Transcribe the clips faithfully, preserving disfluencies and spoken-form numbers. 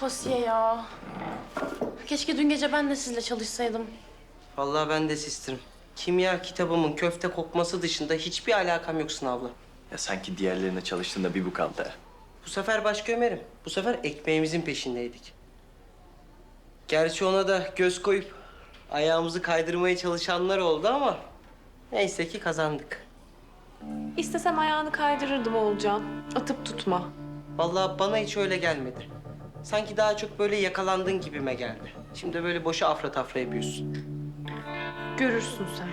Asiye ya. Keşke dün gece ben de sizle çalışsaydım. Vallahi ben de sistirim. Kimya kitabımın köfte kokması dışında hiçbir alakam yok sınavla. Ya sanki diğerlerine çalıştığında bir bu kaldı ha. Bu sefer başka Ömer'im. Bu sefer ekmeğimizin peşindeydik. Gerçi ona da göz koyup ayağımızı kaydırmaya çalışanlar oldu ama neyse ki kazandık. İstesem ayağını kaydırırdım Oğulcan. Atıp tutma. Vallahi bana hiç öyle gelmedi. Sanki daha çok böyle yakalandın gibime geldi. Şimdi böyle boşa afra tafra yapıyorsun. Görürsün sen.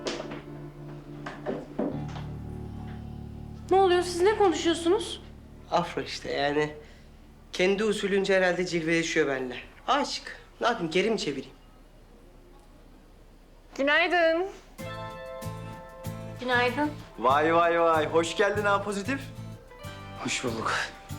Ne oluyor? Siz ne konuşuyorsunuz? Afra işte yani. Kendi usulünce herhalde cilveleşiyor benimle. Aşık. Ne yapayım geri mi çevireyim? Günaydın. Günaydın. Vay vay vay. Hoş geldin ha pozitif. Hoş bulduk.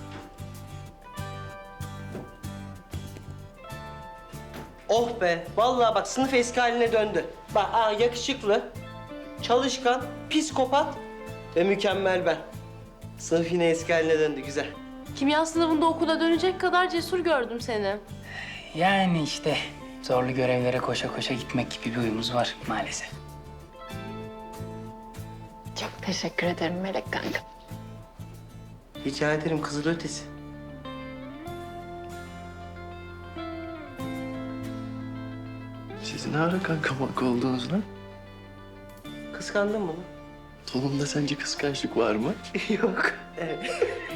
Oh be. Vallahi bak sınıf eski haline döndü. Bak aa, yakışıklı, çalışkan, psikopat ve mükemmel ben. Sınıf yine eski haline döndü. Güzel. Kimya sınavında okula dönecek kadar cesur gördüm seni. Yani işte zorlu görevlere koşa koşa gitmek gibi bir huyumuz var maalesef. Çok teşekkür ederim Melek kanka. Rica ederim kızıl ötesi. Siz ne ara kanka manka oldunuz lan? Kıskandın mı lan? Toplumda sence kıskançlık var mı? Yok. Evet.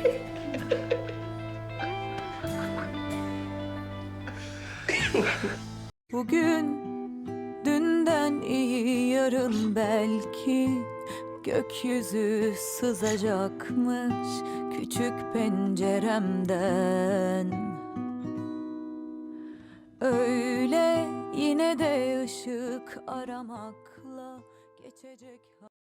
Bugün dünden iyi yarın belki gökyüzü sızacakmış küçük penceremden. Öyle yine de ışık aramakla geçecek.